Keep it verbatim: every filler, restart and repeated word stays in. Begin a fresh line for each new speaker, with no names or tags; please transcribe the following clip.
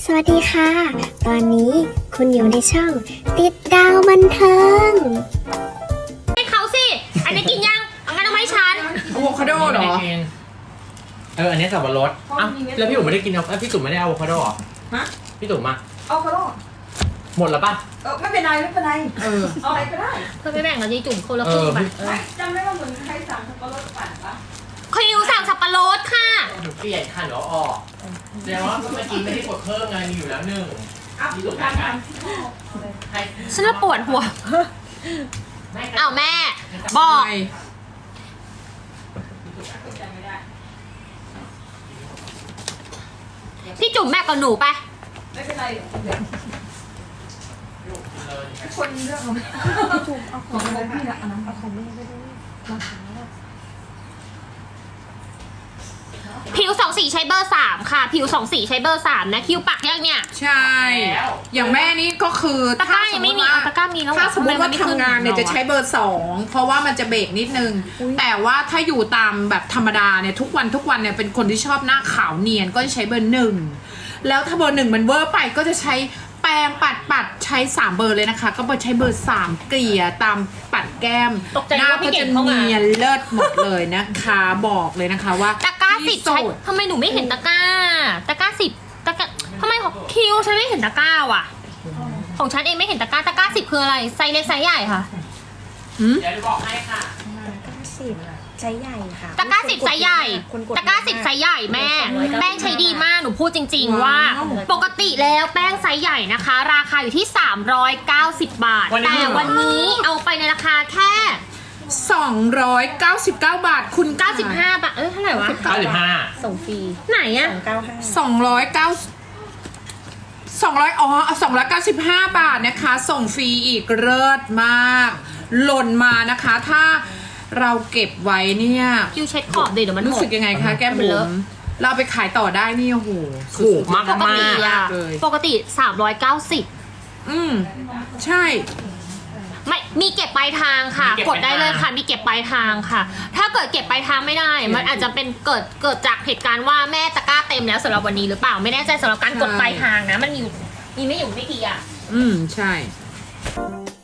สวัสดีค่ะ ตอนนี้คุณอยู่ในช่องติดดาวบันเทิง
ให้เขาสิ อันนี้กินยังเอางั้นเอามาให้ฉัน
อะโวคาโดเหรอ
เออ อันนี้สับปะรดอ้าวแล้วพี่จุ๋มไม่ได้กินเอาเอ้ยพี่จุ๋มไม่ได้อะโวคาโดเหรอ
ฮะ
พี่จุ๋มมา
เอาก็ได้
หมดแล้วป่ะ
เออไม่เป็นไรไม่เป็นไร
เออ
เอาอะไรก็ได้
เพื่อไม่แบ่งเราจะจุ่มคนละครึ่งไป
เออ
ไม่จำได้ว่าเหมือนใครสั่งสับปะรดปั่นปะ
คิวสั่งสับปะรดค่ะ
หนูเปลี่ยนค่ะหนูเอาออกแสดงว่าเมื่อกี้ไม่ได้กดเพิ่มไงมีอยู่แล้วหนึ่ง
อ่ะ
พี่
ทุ
จุ๋
ก
ม
การ
กัน
ทำที่พ่อเลย
ให้
ฉันละปวดหัว
ไม่
อ้าวแม่ บอก
ไป
จำไม่ได้
พี่จุ่มแม่กับหนูไป
ไม่เป็นไรเดี๋ยวคนเรื่องเอาถูกเอาของอะไรพี่ละอันนั้นเอาของแม่ไปด้วยมาหาว่า
ผิวสองสีใช้เบอร์สามค่ะ ผิวสองสีใช้เบอร์สามนะ คิวปักยังเนี่ย
ใช่ อย่างแม่นี่ก็คือ
ตะกร้ายังไม่มี
ถ้
เอาตะกร้ามีแล้วเหรอ
ถ้าสมมติว่า
ทำไมมันไม่
ทำงานเนี่ย
ขึ้น
จะใช้เบอร์สองเพราะว่ามันจะเบรกนิดนึง แต่ว่าถ้าอยู่ตามแบบธรรมดาเนี่ยทุกวันทุกวันเนี่ยเป็นคนที่ชอบหน้าขาวเนียนก็จะใช้เบอร์หนึ่งแล้วถ้าเบอร์หนึ่งมันเวอร์ไปก็จะใช้แปรงปัดปัดใช้สามเบอร์เลยนะคะ ก็ไปใช้เบอร์สามเกลี่ยตามปัดแก้ม
ตกใจ
หน้า
ว่าพี่
ก็
เก่
จะ
งเข้ามา
เนียนเลิศหมดเลยนะคะบอกเลยนะคะว่า
ตะกร้าสิบ
ที่
ใช้
สุด
ทำไมหนูไม่เห็นตะกร้า ตะกร้าสิบตะกร้าทำไมของคิวฉันไม่เห็นตะกร้าว่ะ ของฉันเองไม่เห็นตะกร้า ตะกร้าสิบคืออะไร ไซส์เล็กไซส์ใหญ่ค่ะ
เดี๋ยวจะบอกให้ค่ะ
สิบไซส์ใหญ่ค่ะ
ตะกร้าสิบไซส์ใหญ่
คนกด
ตะกร้าสิบไซส์ใหญ่แม่ แป้งใช้ดีมาก หนูพูดจริง ๆ ว่า
ว้าว
ปกติแล้วแป้งไซส์ใหญ่นะคะ ราคาอยู่ที่ สามร้อยเก้าสิบ บาท
วันนี้
แต่วันนี้เอาไปในราคาแค่
สองร้อยเก้าสิบเก้าบาทคุณ
เก้าสิบห้าบาท เอ้ยเท่าไหร่วะ
เก้าสิบห้า
ส่งฟรี
ไหนอะ
สองเก้าห้า
สองร้อยเก้าสองร้อยอ๋อสองร้อยเก้าสิบห้าบาทนะคะ ส่งฟรีอีกเลิศมาก หล่นมานะคะ ถ้าเราเก็บไว้เนี่ย
คิวเช็ดขอบดิเดี๋ยวมันห
รู้
ม
สึ
ด
กยังไงคะแก้ม
มัน
บุ๋
เลอะ
มเราเอาไปขายต่อได้นี่โอ้โห
ถูกมาก
ปก
มา
ติ
ก
อะ
เลย
ปกติสามร้อยเก้าสิบ
อืมใช่
ไม่ มีเก็บปลายทางค่ะ
มีเก็บ
กดได้เลย
ปลายทาง
ค่ะ มีเก็บปลายทางค่ะ ถ้าเกิดเก็บปลายทางไม่ได้ มันอาจจะเป็นเกิด เกิดจากเหตุการณ์ว่าแม่ตะกร้าเต็มแล้วสำหรับวันนี้หรือเปล่า ไม่แน่ใจสำหรับการกดปลายทางนะ มันมีอยู่มีไม่อยู่ไม่กี่อย่าง
อืมใช่